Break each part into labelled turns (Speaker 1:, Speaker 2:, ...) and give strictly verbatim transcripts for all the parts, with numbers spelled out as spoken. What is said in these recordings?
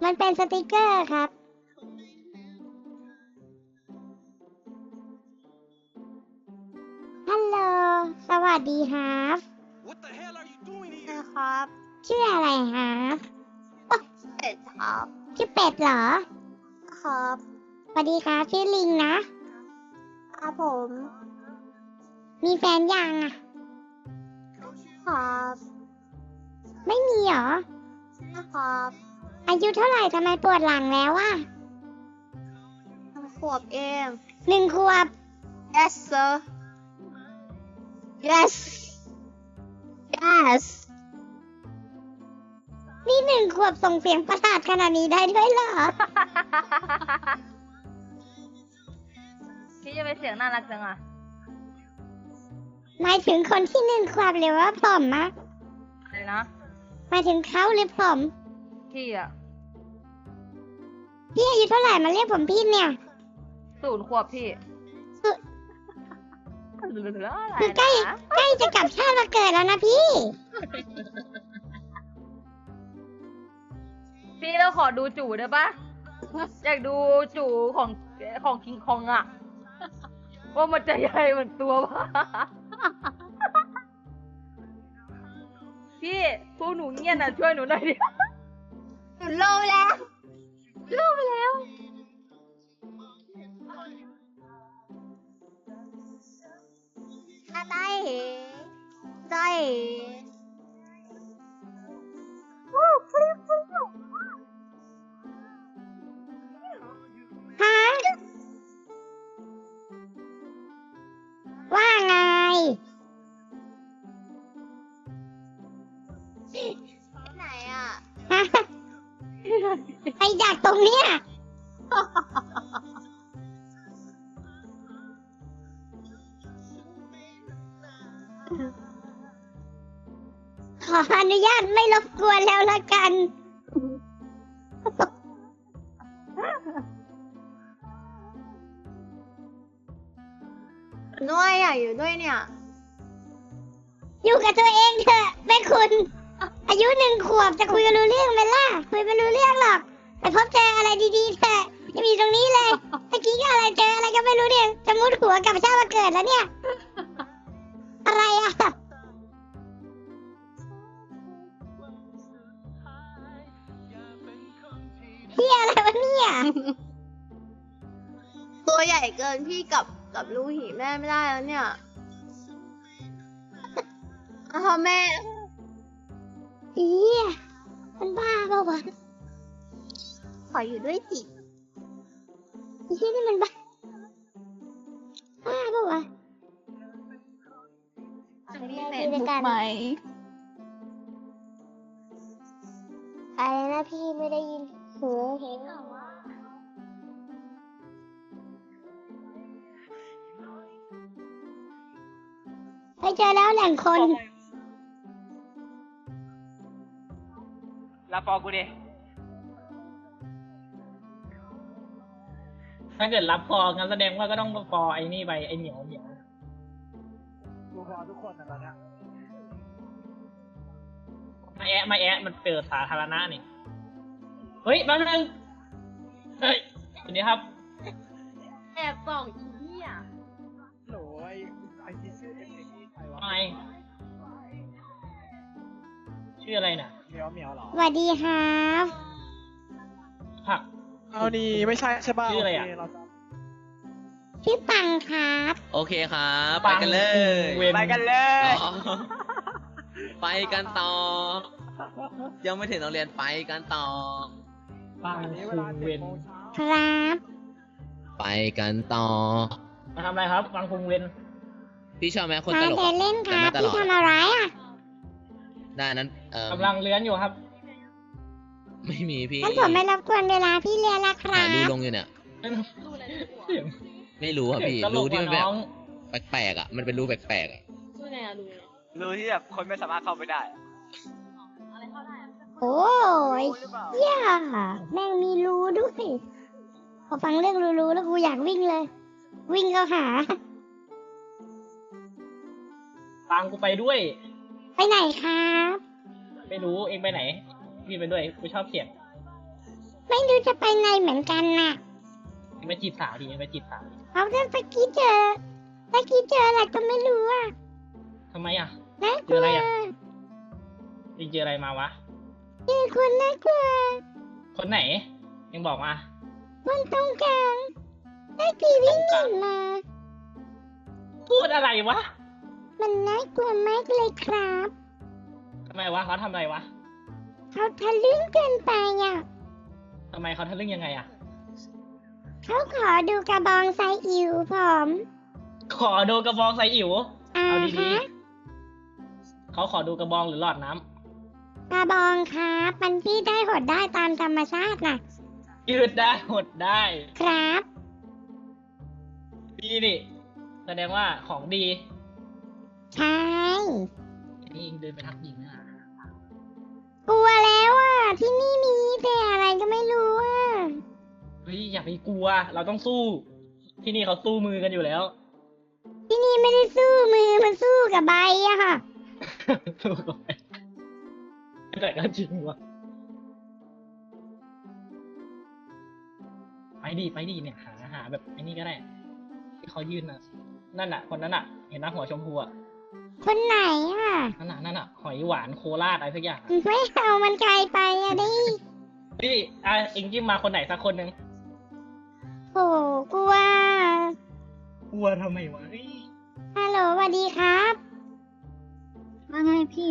Speaker 1: มันเป็นสติกเกอร์ครับฮัลโหลสวัสดีครับ
Speaker 2: What the hell are you doing here?
Speaker 3: นะครับ
Speaker 1: ชื่ออะไรครับ
Speaker 3: เป็ดครับ
Speaker 1: ชื่อเป็ดเหรอ
Speaker 3: ครับ
Speaker 1: สวัสดีครับชื่อลิงนะครับ
Speaker 3: ผม
Speaker 1: มีแฟนยังอ่ะ
Speaker 3: ครับ
Speaker 1: ไม่มีเหรอ
Speaker 3: นะครับ
Speaker 1: อายุเท่าไหร่ทำไมปวดหลังแล้วอ่ะ
Speaker 3: ขวบเอง
Speaker 1: หนึ่งขวบ
Speaker 3: yes sir yes yes
Speaker 1: นี่หนึ่งขวบส่งเสียงประสาทขนาดนี้ได้ด้วยเหรอ
Speaker 4: พี่จะไปเสียงน่ารักจังอ่ะ
Speaker 1: หมายถึงคนที่หนึ่งขวบหรือว่าผมอะ
Speaker 4: อะไรนะ
Speaker 1: หมายถึงเขาหรือผม
Speaker 4: พี่อ่ะ
Speaker 1: พี่อายุเท่าไหร่มาเรียกผมพี่เนี่ย
Speaker 4: ศูนย์ขวบพี่
Speaker 1: คือ
Speaker 4: อะไร
Speaker 1: คือใกล้
Speaker 4: นะ
Speaker 1: ใกล้จะกลับชาติมาเกิดแล้วนะพี่
Speaker 4: พี่เราขอดูจู่ได้ปะอยากดูจู่ของของคิงคองอ่ะ ว่ามันจะใหญ่เหมือนตัวปะพี่พวกหนูเงียบนะช่วยหนูหน่อยดิ
Speaker 3: หนูโลแล้ว
Speaker 4: โลไปแล้ว
Speaker 3: ถ้าได้เหได้เห
Speaker 1: ฮะ ว่าไง
Speaker 3: ไหนอ่ะ
Speaker 1: ฮะไปดักตรงเนี้ยขออนุญาตไม่รบกวนแล้วละกัน
Speaker 3: ด้วยอ่ะอยู่ด้วยเนี่ย
Speaker 1: อยู่กับตัวเองเถอะแม่คุณ อายุหนึ่งขวบจะคุยกันรู้เรื่องไหมล่ะ คุยไม่รู้เรื่องหรอกไปพบเจออะไรดีๆเถอะจะมีตรงนี้เลยเมื่อกี้ก็อะไรเจออะไรก็ไม่รู้เนี่ยจะมุดหัวกลับชาติมาเกิดแล้วเนี่ย อะไรอ่ะพี่อะไรวะเนี่ย
Speaker 3: ตัวใหญ่เกินพี่กับกับลูกหีแม่ไม่ได้แล้วเนี่ยอ้าวแม่
Speaker 1: อีมันบ้าเปล่าวะ
Speaker 3: ขออยู่ด้วยสิ
Speaker 1: ไอ้ที่นี่มันบ้าบ้าเปล่าวะ
Speaker 3: มี
Speaker 1: เฟ
Speaker 3: เฟ
Speaker 1: ซ
Speaker 3: ซ
Speaker 1: บุ๊
Speaker 3: บุ๊
Speaker 1: ก
Speaker 3: ก
Speaker 1: ไห
Speaker 3: ไห
Speaker 1: ม
Speaker 3: ม
Speaker 1: อะไรนะพี่ไม่ได้ยินหูเห็นไปเจอแล้วแหล่งคน
Speaker 5: รับฟอกูดิ
Speaker 6: ถ้าเกิดรับฟอร์งั้นแสดงว่าก็ต้องฟอร์ไอ้นี่ไปไอ้เหนียวเหนียว
Speaker 5: กูพอทุกคนนะตอนเนี้ย
Speaker 6: มาแอะมาแอะมันเปิดสาธารณะนี่เฮ้ยแป๊บนึงเฮ้ยสวัสดีครับ
Speaker 4: แอบส่องอีเหี้ย
Speaker 5: โหลไอ้ไอ้ที่ชื่อเอ็มเอ็มใครวะ
Speaker 6: ไงชื่ออะไรน่ะ
Speaker 5: เหมียวเหมียวเหรอ
Speaker 1: สวัสดีครับ
Speaker 6: ผัก
Speaker 5: เอานี่ไม่ใช่ใช่ป่ะ
Speaker 6: ชื่ออะไรอะ
Speaker 5: โเคเราจ
Speaker 1: ชื่อปังครับ
Speaker 7: โอเคครับ ไปกันเลย
Speaker 6: เวน
Speaker 5: ำไปกันเลย
Speaker 7: อ๋อไปกันต่อ ยังไม่ถึงโรงเรียนไปกันต่อ
Speaker 6: ปัง
Speaker 5: วันนี้เว
Speaker 6: คุ
Speaker 5: ลาง
Speaker 6: เว
Speaker 5: เจ็ด
Speaker 6: น
Speaker 5: โมงเช้า
Speaker 1: ครับ
Speaker 7: ไปกันต่อ
Speaker 6: มาทำอะไรครับปังคุงเวน
Speaker 7: พี่ชอบไหมคน
Speaker 1: มา
Speaker 7: ตลก
Speaker 1: เดิ
Speaker 7: อะ
Speaker 1: นเล่นค
Speaker 7: แต่
Speaker 1: รับ
Speaker 7: ไม่ตล
Speaker 1: พี่
Speaker 7: อด
Speaker 1: ทำอะไรอ่ะ
Speaker 7: ได้นั้นเออก
Speaker 6: ำลังเลื้อนอยู่ครับ
Speaker 7: ไม่มีพี่
Speaker 1: งั้นผมไม่รบกวนเวลาพี่เรียนละครั
Speaker 7: หา
Speaker 1: บ
Speaker 7: ดูลงอยู่เนี่ย
Speaker 6: เสียง
Speaker 7: ไม่รู้อ่ะพี่
Speaker 6: เสียงตล
Speaker 7: รู้
Speaker 6: ก
Speaker 7: ที่
Speaker 6: ก
Speaker 7: มั
Speaker 6: ว่าน
Speaker 7: แบบ
Speaker 6: น้อง
Speaker 7: แปลกๆอ่ะ มันเป็นรูแปลกๆอ่ะ
Speaker 5: รู้ที่แบบคนไม่สามารถเข้าไปได้อะ
Speaker 1: โอ้ย
Speaker 5: รู้หรือเปล่า
Speaker 1: เหี้ย่าแม่งมีรูด้วยพอฟังเรื่องรูๆแล้วกูอยากวิ่งเลย วิ่งเข้าหา
Speaker 6: ปังกูไปด้วย
Speaker 1: ไปไหนครับ
Speaker 6: ไม่รู้เองไปไหนพี่ไปด้วยกูชอบเสียง
Speaker 1: ไไม่รู้จะไปไหนเหมือนกันน่ะ
Speaker 6: ไปจีบสาวดิไปจีบสาวดิ
Speaker 1: เขาจะไปกี้เจอไปกี้เจออะไรก็ไม่รู้อ่ะ
Speaker 6: ทำไมอ่ะ
Speaker 1: น่าก
Speaker 6: เจ
Speaker 1: ลั
Speaker 6: อ
Speaker 1: ว
Speaker 6: อะไรอ่ะจริงเจออะไรมาวะ
Speaker 1: เจอคนน่ากลัว
Speaker 6: คนไหน ยังบอกมา
Speaker 1: คนตรงกลางได้ทีวิ่งหนีมา
Speaker 6: พูดอะไรวะ
Speaker 1: มันน่ากลัวมากเลยครับ
Speaker 6: ทำไมวะเขาทำอะไรวะ
Speaker 1: เขาทะลึ่งเกินไปอ่ะ
Speaker 6: ทำไมเขาทะลึ่งยังไงอ่ะ
Speaker 1: เขาขอดูกระบองไซอิ๋วผม
Speaker 6: ขอดูกระบองใส่อิ๋ว
Speaker 1: อ่า
Speaker 6: เอาดี
Speaker 1: ฮะ
Speaker 6: ๆเขาขอดูกระบองหรือหลอดน้ำ
Speaker 1: กระบองครับมันพี่ได้หดได้ตามธรรมชาติน่ะ
Speaker 6: ยืดได้หดได้
Speaker 1: ครับ
Speaker 6: ดีนี่แสดงว่าของดี
Speaker 1: ใช่
Speaker 6: นี่เองเดินไปทักหญิงนะ
Speaker 1: กลัวแล้วอ่ะ ที่นี่มีแต่อะไรก็ไม่รู้อ่ะ
Speaker 6: เฮ้ยอย่าไปกลัว เราต้องสู้ ที่นี่เขาสู้มือกันอยู่แล้ว
Speaker 1: ที่นี่ไม่ได้สู้มือมันสู้กับใบอะค่ะ
Speaker 6: สู้กันไปแต่ก็จริงวะไปดิไปดิเนี่ยหาหาแบบไอ้นี่ก็ได้ ที่เขายืนน่ะ นั่นน่ะ คนนั้นน่ะ เห็นนะหัวชมพูอ่ะ
Speaker 1: คนไหนอ่ะ
Speaker 6: นั่นน่ะนั่นน่ะหอยหวานโคราชอะไรสักอย่าง
Speaker 1: ไม่เอามันไกลไปอะดิ
Speaker 6: พี่อ่ะเอ็งจิ้มมาคนไหนสักคนหนึ่ง
Speaker 1: โอ้กลัว
Speaker 6: กลัวทำไมวะเฮ้ย
Speaker 1: ฮัลโหลสวัสดีครับ
Speaker 3: ว่าไงพี่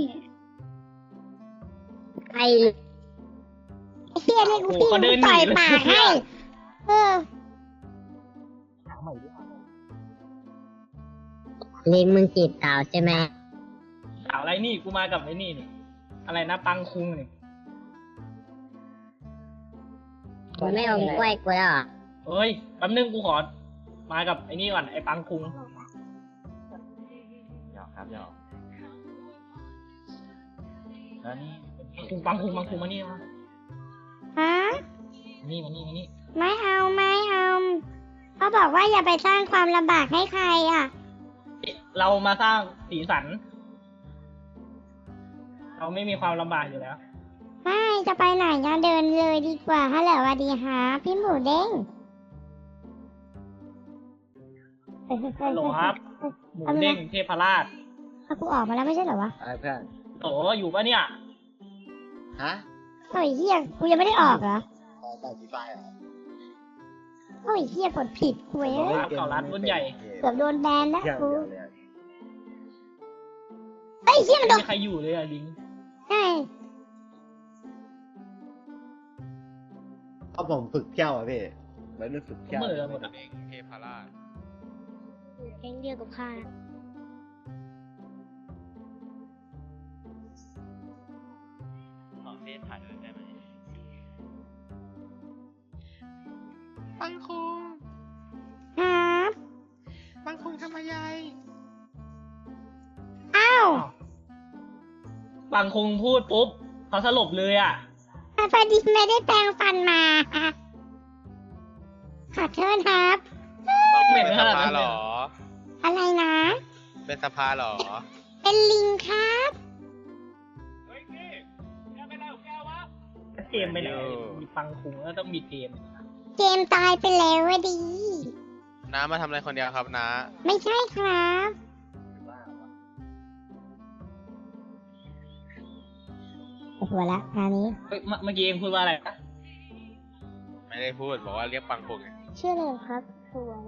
Speaker 1: ไอ้เฮียเรียกกูพี่
Speaker 6: เขาเดินห
Speaker 1: ต่
Speaker 6: นี
Speaker 1: อย
Speaker 6: เลย
Speaker 1: ปากให้ เออ
Speaker 6: หาใหม่ดิ
Speaker 8: ลิงมึงจีบสาวใช่ไหม
Speaker 6: สาวอะไรนี่กูมากับไอ้นี่นี่อะไรนะปังคุงนี่
Speaker 8: มึงไม่เอากล้วยกูแล้วเหรอ
Speaker 6: เอ้ยแป๊บนึงกูขอ มากับไอ้นี่ก่อนไอ้ปังคุง
Speaker 5: หยอกครับหยอกแล้วนี่เป็น
Speaker 6: คุงปังคุงปังคุงมานี่มา
Speaker 1: ฮะ
Speaker 6: มานี่มานี่มานี่
Speaker 1: ไม่เอาไม่เอาเขาบอกว่าอย่าไปสร้างความลำบากให้ใครอ่ะ
Speaker 6: เรามาสร้างสีสัน เราไม่มีความลำบากอยู่แล้ว
Speaker 1: ไม่จะไปไหนจะเดินเลยดีกว่าฮัลโหลสวัสดีฮะพี่หมูเด้ง
Speaker 6: ฮัลโหลครับ หมูเด้งเทพราช
Speaker 1: เอากูออกมาแล้วไม่ใช่เหรอวะ
Speaker 5: อะไรเพื่อน
Speaker 6: โอ้อยู่ปะเนี่ย
Speaker 5: ฮะ
Speaker 1: โอ้ยเฮียกูยังไม่ได้ออกเหรอ
Speaker 5: ต่อต่อจีไฟเหรอ
Speaker 1: โอ้ยเฮียกดผิดกูเอ้ย
Speaker 6: ครับเก่าร้านรุ่นใหญ่
Speaker 1: เกือบโดนแบนแล้ว
Speaker 5: เดี๋ยว
Speaker 1: กู
Speaker 5: เดี๋ยวเดี๋ยว
Speaker 1: เอ้ยเฮียมันโด
Speaker 6: ไม่
Speaker 1: น
Speaker 6: มีใครอยู่เลยอะลิง
Speaker 1: ใช่
Speaker 5: เอาผมฝึกเที่ยวอ่ะพี่ไว้รุ่นฝึกเที่ยว
Speaker 6: เหมือนหมดอะ
Speaker 9: เทพราช
Speaker 1: แก๊งเดียวกับข้า
Speaker 9: ขอเฟซถ่ายด้วยได้ไหม
Speaker 2: ปังคุง
Speaker 1: ครับ
Speaker 2: ปังคุงทำอะไร
Speaker 1: อ้าว
Speaker 6: ปังคุงพูดปุ๊บเขาสลบเลยอ่ะ
Speaker 1: พอดีไม่ได้แปรงฟันมาขอโทษครับ
Speaker 6: เหม็น
Speaker 9: เป็น
Speaker 6: ข
Speaker 9: ส
Speaker 6: นาด
Speaker 9: ภา
Speaker 6: นั้น
Speaker 9: เหร
Speaker 6: เลย
Speaker 9: อ
Speaker 1: อะไรนะ
Speaker 9: เป็นสภาเหรอ
Speaker 1: เป็นลิงครับ
Speaker 6: เกมไปไหนมีปังคุงแล้วต้องมีเกม
Speaker 1: เกมตายไปแล้วอะดี
Speaker 9: น้ามาทำอะไรคนเดียวครับน้า
Speaker 1: ไม่ใช่ครับปวดหัวละคราวนี้
Speaker 6: เฮ้ยเมื่อเมื่อกี้เองพูดว่าอะไรนะ
Speaker 9: ไม่ได้พูดบอกว่าเรียกปังคุงไง
Speaker 1: ชื่ออะไรครับสวย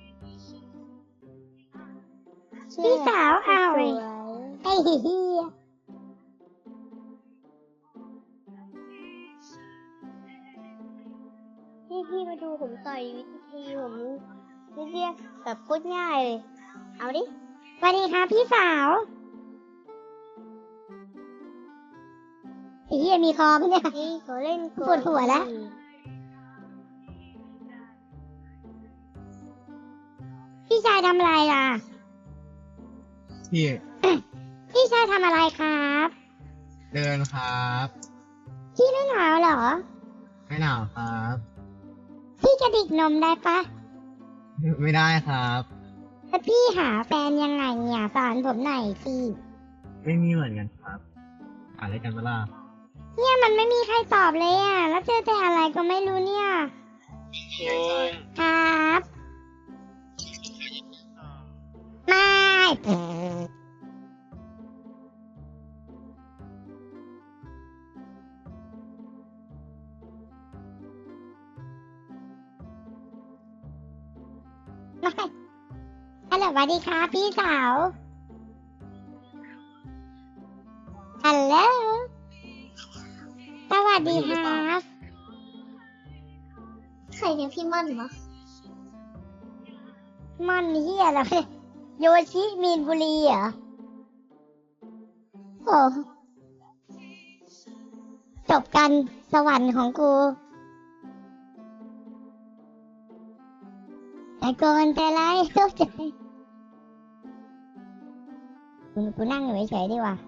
Speaker 1: พี่สาวเอาไอ้เฮียพี่พี่มาดูผมต่อยวิธีผมนี่เรียกแบบพูดง่ายเลย เอาดิสวัสดีครับพี่สาวไอ้เฮียมีคอปะเนี่ยเขาเล่นปวดหัวแล้ว พี่ชายทำอะไรล่ะ
Speaker 10: พี่
Speaker 1: พี่ชายทำอะไรครับ
Speaker 10: เดินครับ
Speaker 1: พี่ไม่หนาวเหรอ
Speaker 10: ไม่หนาวครับ
Speaker 1: พี่กระดิกนมได้ปะ
Speaker 10: ไม่ได้ครับ
Speaker 1: แล้วพี่หาแฟนยังไงเนี่ยสอนผมหน่อยสิ
Speaker 10: ไม่มีเหมือนกันครับหาอะไรกันเวลา
Speaker 1: เนี่ยมันไม่มีใครตอบเลยอ่ะ แล้วเจอแต่อะไรก็ก็ไม่รู้เนี่ย
Speaker 9: คุง
Speaker 1: ครับไม่ไม่ฮัลโหลสวัสดีครับพี่สาวฮัลโหลสวัสดีครับใครเนี่ยพี่ม่อนวะม่อนเฮียอะไรโยชิมีนบุรีเหรอโอ้จบกันสวรรค์ของกูแต่ก่อนแต่ไรเข้าใจกูกูนั่งอยู่เฉยๆดีกว่า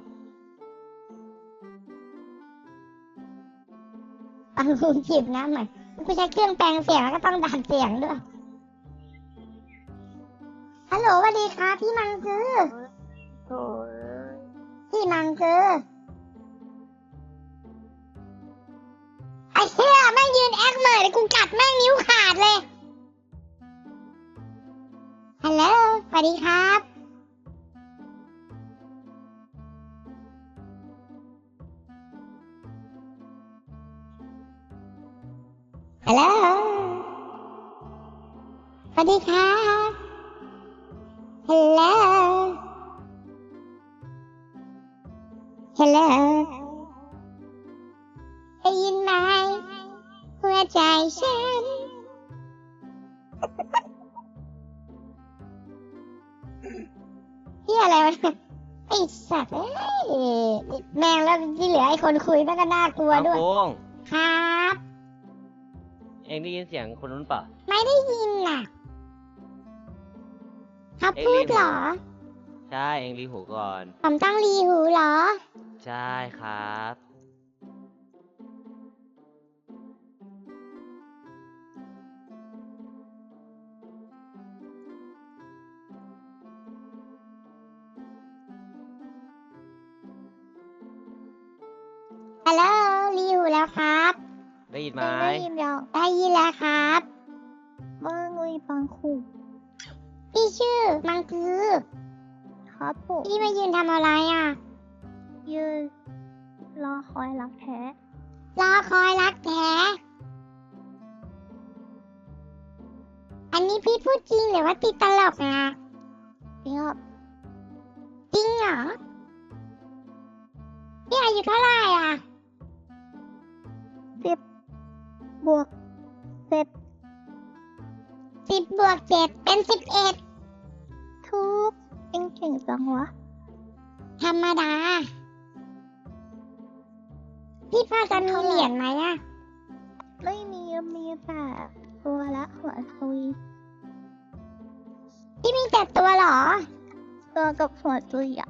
Speaker 1: ฟังกูจีบน้ำหน่อยกูใช้เครื่องแปลงเสียงแล้วก็ต้องดัดเสียงด้วยฮัลโหลสวัสดีครับพี่มังคือพี่มังคือไอ้เหี้ยแม่งยืนแอคเหม่อเลยกูกัดแม่งนิ้วขาดเลยฮัลโหลสวัสดีครับฮัลโหลสวัสดีครับฮัลโหลฮัลโหลได้ยินไหมหัวใจฉันที่อะไรวะไอ้สัตว์เอ้ยแม่งแล้วที่เหลือไอ้คนคุยแม่งก็น่ากลัวด้วย
Speaker 11: โค้ง
Speaker 1: ครับ
Speaker 11: เองได้ยินเสียงคนนู้นเปล่า
Speaker 1: ไม่ได้ยินน่ะครับ
Speaker 11: เอ็ง
Speaker 1: พู
Speaker 11: รี
Speaker 1: ด
Speaker 11: บ
Speaker 1: เหรอ
Speaker 11: ใช่ เองรีหูก่อน
Speaker 1: ผมต้องรีหูเหรอ
Speaker 11: ใช่ครับ
Speaker 1: ฮัลโหลรีหูแล้วครับ
Speaker 11: ได้ยินไหม
Speaker 1: ได้ยินแล้วได้ยินแล้วครับว่าไงปังคุพี่ชื่อมังคือครับผมพี่มายืนทำอะไรอ่ะยืนรอคอยรักแท้รอคอยรักแท้อันนี้พี่พูดจริงหรือว่าติดตลกนะจริงครับจริงเหรอพี่อายุเท่าไหร่อ่ะสิบบวกเจ็ดสิบบวกเจ็ดเป็นสิบเอ็ดทุกเองเก่งจังวะธรรมดาพี่พอจะมีเหรียญไหมอะไม่มีมีแต่ตัวละหัวซุยพี่มีแต่ตัวเหรอตัวกับหัวซุยอะ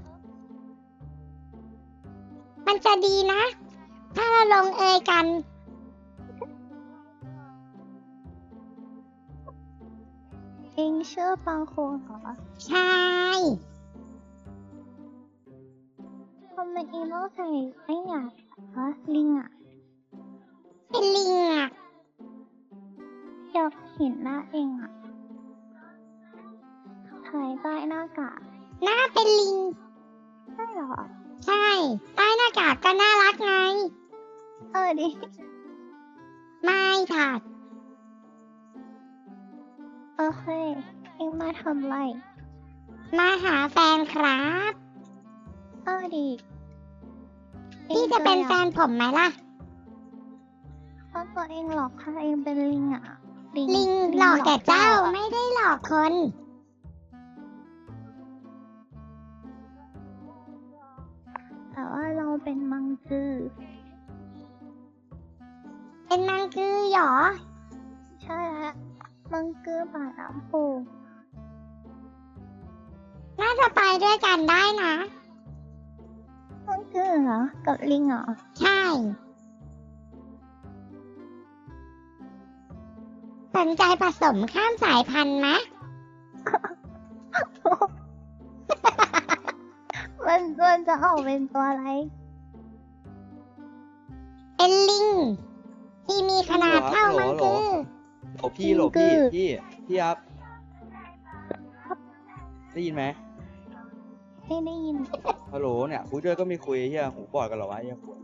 Speaker 1: มันจะดีนะ ถ้าเราลงเอยกันเองเชื่อปังโคเหรอใช่ทำไมเองต้องใส่ไอ้หยาดฮะลิงอ่ะเป็นลิงอ่ะอยากเห็นหน้าเองอ่ะถ่ายใต้หน้ากากหน้าเป็นลิงใช่เหรอใช่ใต้หน้ากากก็น่ารักไงเออดิไม่ค่ะโอเคเอ็งมาทำไรมาหาแฟนครับเออดีพี่จะเป็นแฟนผมไหมล่ะเพราะตัวเองหลอกค่ะเองเป็นลิงอ่ะลิงหลอกแต่เจ้าไม่ได้หลอกคนแต่ว่าเราเป็นมังกือเป็นมังกือหรอใช่แล้วมังกือป่าน้ำปูน่าจะไปด้วยกันได้นะมังกือเหรอกับลิงเหรอใช่สนใจผสมข้ามสายพันธุ์ไหม มันมันจะออกเป็นตัวอะไรเป็นลิงที่มีขนาดเท่ามังคือ
Speaker 5: โหลพี่โหลพี่พี่พี่ครับได้ยินไหม
Speaker 3: ไม่ได้ยิน
Speaker 5: ฮัลโหลเนี่ยคุยด้วยก็ไม่คุยเฮียหูบอดกันเหรอวะเฮียปวด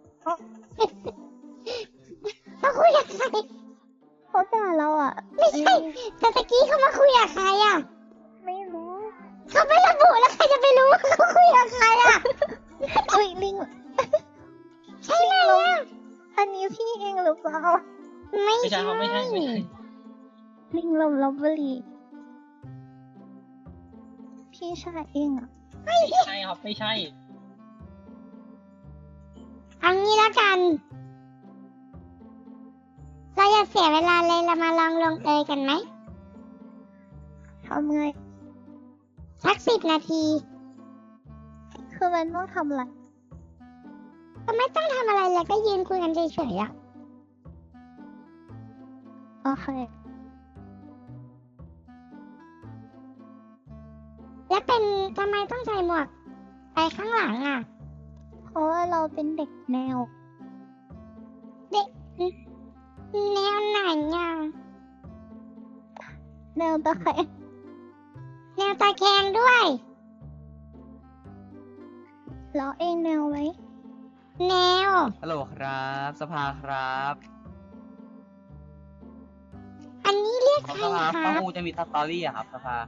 Speaker 1: เขาคุยกับใคร
Speaker 3: เขาด่าเราอ่ะ
Speaker 1: ไม่ใช่แต่ตะกี้เขามาคุยกับใครอ่ะ
Speaker 3: ไม่รู้
Speaker 1: เขาไม่ระบุแล้วใครจะไปรู้ว่าเขาคุยกับใครอ่ะ
Speaker 3: อุ้ยลิง
Speaker 1: ใช่ไหมอ่ะ
Speaker 3: อันนี้พี่เองหรือเปล่า
Speaker 1: ไม่
Speaker 6: ไม่ใช่
Speaker 1: ใช่
Speaker 6: ครับไม่ใช่ไม่ใช่
Speaker 3: ลิงลมลบบุรีพี่ชายเองอ่ะ
Speaker 6: ไม่ใช่ครับไม่ใช่
Speaker 1: เอางี้แล้วกัน เราอย่าเสียเวลาเลยเรามาลองลงเอยกันไหม
Speaker 3: ทำไง
Speaker 1: สักสิบนาที
Speaker 3: คือมันต้องทำอะไร
Speaker 1: ก็ไม่ต้องทำอะไรเลยก็ยืนคุยกันเฉยๆอ่ะ
Speaker 3: โอเค
Speaker 1: แล้วเป็นทำไมต้องใส่หมวกไปข้างหลังอ่ะ
Speaker 3: เพราะว่าเราเป็นเด็กแนว
Speaker 1: เด็กแนวไหนอ่ะ
Speaker 3: แนวตะแคง
Speaker 1: แนวตาแคงด้วย
Speaker 3: เราเองแนวไหม
Speaker 1: แนว
Speaker 7: ฮัลโหลครับ สภาครับ
Speaker 1: อันนี้เรียก
Speaker 7: ขอ
Speaker 1: ใคร
Speaker 7: สภา
Speaker 1: ค
Speaker 7: ป้า
Speaker 1: รับ
Speaker 7: อูจะมีสตอรี่อะครับสภา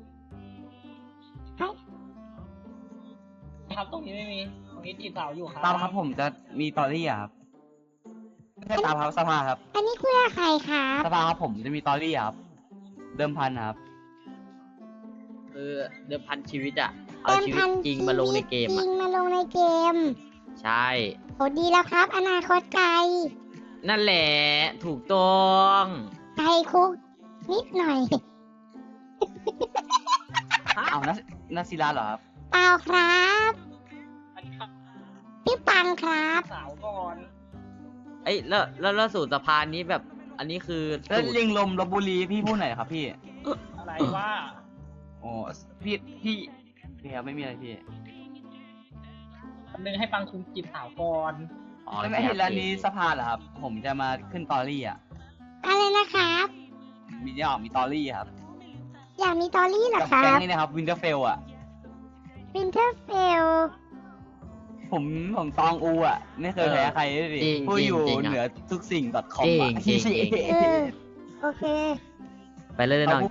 Speaker 6: ครับตรงนี้ไม่มีตรงนี้จีบสาวอยู่ครับ
Speaker 7: ตามครับผมจะมีสตอรี่อะครับไม่ใช่ตามครับสภาครับ
Speaker 1: อันนี้คุยกับใครครับ
Speaker 7: สภาครับผมจะมีสตอรี่อะครับ เดิมพันครับ
Speaker 11: คือเดิมพันชีวิตอะเอา
Speaker 1: เต็ม
Speaker 11: ชีวิ
Speaker 1: พั
Speaker 11: ต
Speaker 1: น
Speaker 11: จริงมาลงในเกม
Speaker 1: จริ
Speaker 11: อะ
Speaker 1: งมาลงในเกม
Speaker 11: ใช่
Speaker 1: โหดีแล้วครับ อนาคตไกล
Speaker 11: นั่นแหละ ถูกต้อง
Speaker 1: ไกลคุก นิดหน่อย
Speaker 7: เอานันัศิลาเหรอครับ
Speaker 1: เปล่าครับพี่ปังครับ
Speaker 6: สาวก่อน
Speaker 11: เอ้ยแล้วแล้วแล้วสูตรสะพานนี้แบบ อันนี้คือ
Speaker 7: แล้ว
Speaker 11: สูตร
Speaker 7: ลิงลมลบบุรีพี่พูดหน่อยครับพี่
Speaker 6: อะไรว่า
Speaker 7: โอ้พี่พี่พี่ครับไม่มีอะไรพี่
Speaker 6: คำนึงให้ปังคุงจีบสาวก่อน
Speaker 11: อ๋อ
Speaker 7: แล้วไม่เห็นร้านนี้สภาเหรอครับ ผมจะมาขึ้นตอรี่อ่ะ
Speaker 1: อะไรนะครับ
Speaker 7: มีเนี่ยมีตอรี่ครับ
Speaker 1: อยากมีตอรี่เหรอ
Speaker 7: กับ
Speaker 1: ครั
Speaker 7: แก๊ง
Speaker 1: บ
Speaker 7: นี่นะครับวินเทอร์เฟลอ่ะ
Speaker 1: วินเทอร์เฟล
Speaker 7: ผมผมตองอูอ่ะ ไม่เคยแพ้ใครเลยดิ
Speaker 11: จริง
Speaker 7: ผู้
Speaker 11: จริ
Speaker 7: อง ยู่
Speaker 11: จริง
Speaker 7: เหนือ
Speaker 11: อะ
Speaker 7: ทุกสิ่ง .com
Speaker 11: จริ
Speaker 7: อ่ะ
Speaker 11: งจริงจริง
Speaker 1: เออ โอเค
Speaker 11: ไปเลยน้อง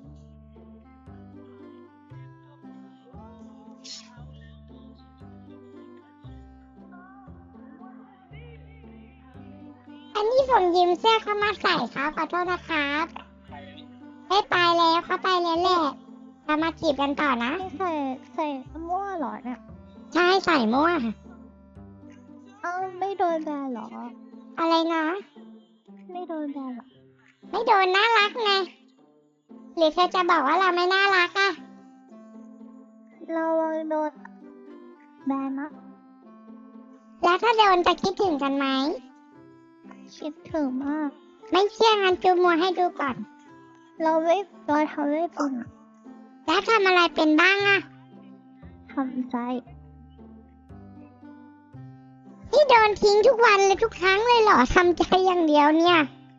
Speaker 1: อันนี้ผมยืมเสื้อเข้ามาใส่ครับขอโทษนะครับไม่ไปแล้วเขาไปแล้วแหละเรามาจีบกันต่อนะ
Speaker 3: ไม่ใส่ใส่มั่วเหรอเนี่ย
Speaker 1: ใช่ใส่มั่ว
Speaker 3: เอ้าไม่โดนแบนเหรอ
Speaker 1: อะไรนะ
Speaker 3: ไม่โดนแบนเหรอ
Speaker 1: ไม่โดนน่ารักไง หรือเธอจะบอกว่าเราไม่น่ารักอะ
Speaker 3: เราโดนแบนนะ
Speaker 1: แล้วถ้าโดนจะคิดถึงกันไหม
Speaker 3: คิดถึงมาก
Speaker 1: ไม่เชื่องั้นจูมัวให้ดูก่อน
Speaker 3: เราไม่เราทำไม่เป็นอะ
Speaker 1: แล้วทำอะไรเป็นบ้างอะ
Speaker 3: ทำใจ
Speaker 1: นี่โดนทิ้งทุกวันเลยทุกครั้งเลยเหรอทำใจอย่างเดียวเนี่ย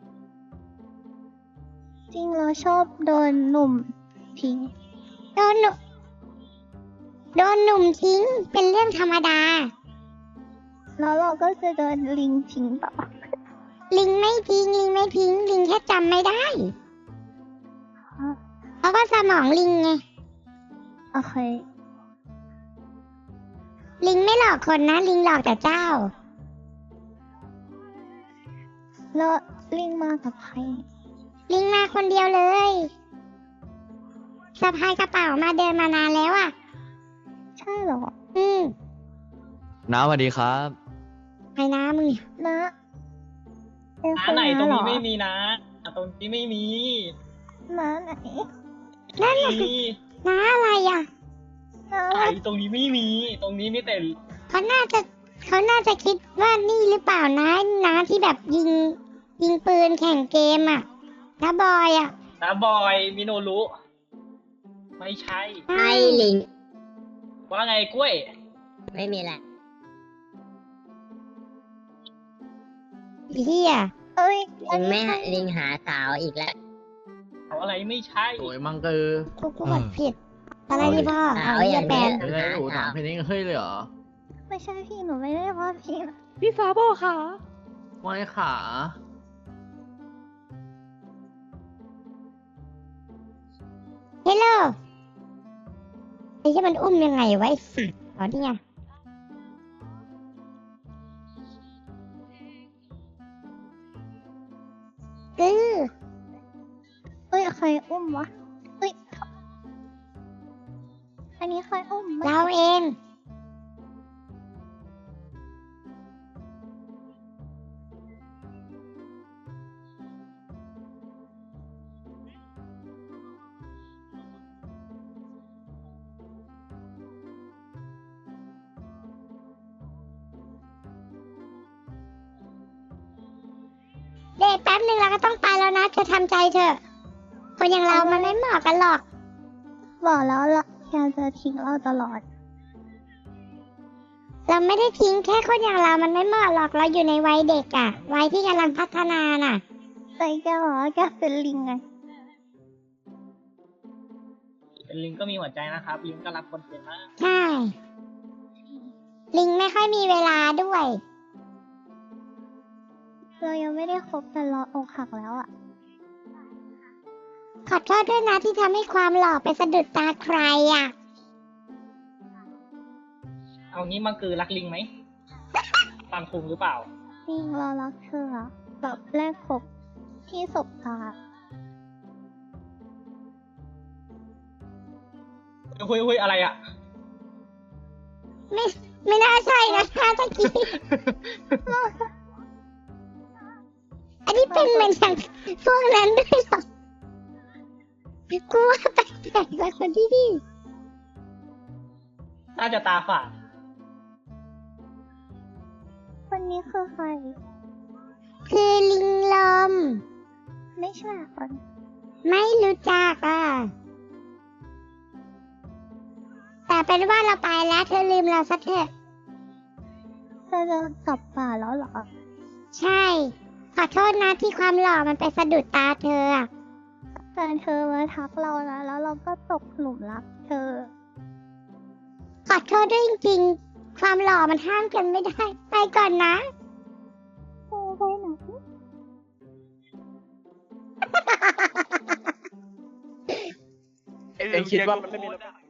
Speaker 3: จริงเราชอบโดนหนุ่มทิ้ง
Speaker 1: โดนหนุ่มโดนหนุ่มทิ้งเป็นเรื่องธรรมดา
Speaker 3: แล้วเราก็จะโดนลิงทิ้งต่อ
Speaker 1: ลิงไม่ทิ้งลิงไม่ทิ้งลิงแค่จำไม่ได้ เพราะว่าสมองลิงไง
Speaker 3: โอเค
Speaker 1: ลิงไม่หลอกคนนะ ลิงหลอกแต่เจ้า
Speaker 3: แล้วลิงมากับใคร
Speaker 1: ลิงมาคนเดียวเลยสะพายกระเป๋ามาเดินมานานแล้วอ่ะ
Speaker 3: ใช่เหรอ
Speaker 1: อืม
Speaker 11: น้าสวัสดีครับ
Speaker 1: ไอ้น้ามึงเนี่ย
Speaker 3: นะเป็น
Speaker 6: น้า
Speaker 3: คน
Speaker 6: ไหนตรง
Speaker 3: เหร
Speaker 6: นี้
Speaker 3: อ
Speaker 6: ไม่มีนะอ่ะตรงนี้ไม่มี
Speaker 3: น้าไหน
Speaker 1: นั่น
Speaker 6: ไม่
Speaker 1: น่ะสิ
Speaker 6: มี
Speaker 1: น้าอะไรอ่ะ
Speaker 3: น้า
Speaker 6: ไหนตรงนี้ไม่มี ตรงนี้มีแต่
Speaker 1: เขาน่าจะเขาน่าจะคิดว่านี่หรือเปล่านะน้าที่แบบยิง ยิงปืนแข่งเกมอ่ะน้าบอยอ่ะ
Speaker 6: น้าบอยมิโนรุไม่ใช่
Speaker 8: ไอ้ลิง
Speaker 6: ว่าไงกล้วย
Speaker 8: ไม่มีแหละ
Speaker 1: เฮีย
Speaker 3: เอ้ย
Speaker 8: ลิงไม่หาลิงหาสาวอีกแล้ว
Speaker 6: เอาอะไรไม่ใช่
Speaker 7: โอ้ยมังเกอร์
Speaker 1: กูกูกดผิด อะไรดีพ่อ
Speaker 8: สา
Speaker 1: เอา
Speaker 8: วอ
Speaker 1: เฮีย
Speaker 8: ย่าง
Speaker 1: แปล
Speaker 8: นี้
Speaker 1: น
Speaker 7: ไม่ได้โอ้ถามเพลงเฮ้ยเลยเหรอ
Speaker 3: ไม่ใช่พี่หนูไม่ได้ว่าพี่
Speaker 2: พี่ฟ้าบอกค่ะ
Speaker 7: ไม่ขา
Speaker 1: เฮลโลไอ้ที่มันอุ้มยังไงไวะไอ้สัตว์อ๋อนี่ไงกือ
Speaker 3: เอ้ยใครอุ้มวะเอ้ยอันนี้ใครอุ้มไม่
Speaker 1: เราเอง เด็กแป๊บหนึ่งเราก็ต้องไปแล้วนะเธอทำใจเถอะ คนอย่างเรามันไม่เหมาะกันหรอก
Speaker 3: บอกแล้วละแกจะทิ้งเราตลอด
Speaker 1: เราไม่ได้ทิ้งแค่คนอย่างเรามันไม่เหมาะหรอก เราอยู่ในวัยเด็กอะวัยที่กำลังพัฒนาน่ะ
Speaker 3: แต่แกบอกว่าแกเป็นลิงไง
Speaker 6: เป็นลิงก็มีหัวใจนะครับ ลิงก็รักคนเป็นมาก
Speaker 1: ใช่ ลิงไม่ค่อยมีเวลาด้วย
Speaker 3: เรายังไม่ได้คบกันเราอกหักแล้วอ่ะ
Speaker 1: ขอโทษด้วยนะที่ทำให้ความหล่อไปสะดุดตาใครอะ
Speaker 6: เอางี้มังคือรักลิงไหม ปังคุงหรือเปล่า
Speaker 3: ลิงเรารักเธออะแบบแรกพบที่สบตา
Speaker 6: คุยคุยอะไรอ่ะ
Speaker 1: ไม่ไม่น่าใช่นะคะตะกี้ อันนี้เป็นเหมือนอย่างพวกนั้นด้วยเหรอกูว่าแปลกๆกว่าคนที่นี่
Speaker 6: น่าจะตาฝาด
Speaker 3: คนนี้คือใคร
Speaker 1: คือลิงลม
Speaker 3: ไม่ใช่คน
Speaker 1: ไม่รู้จักอ่ะ แต่เป็นว่าเราไปแล้วเธอลืมเราสักเถอะ
Speaker 3: เธอจะกลับป่าแล้วเหรอ
Speaker 1: ใช่ ขอโทษนะที่ความหล่อมันไปสะดุดตาเธออะ
Speaker 3: แต่เธอมาทักเรานะแล้วเราก็ตกหลุมรักเธอ
Speaker 1: ขอโทษด้วยจริงๆ ความหล่อมันห้ามกันไม่ได้ ไปก่อนนะ
Speaker 3: เธอไปไหน
Speaker 5: เอ็งคิดว่ามันไม่มีระบบ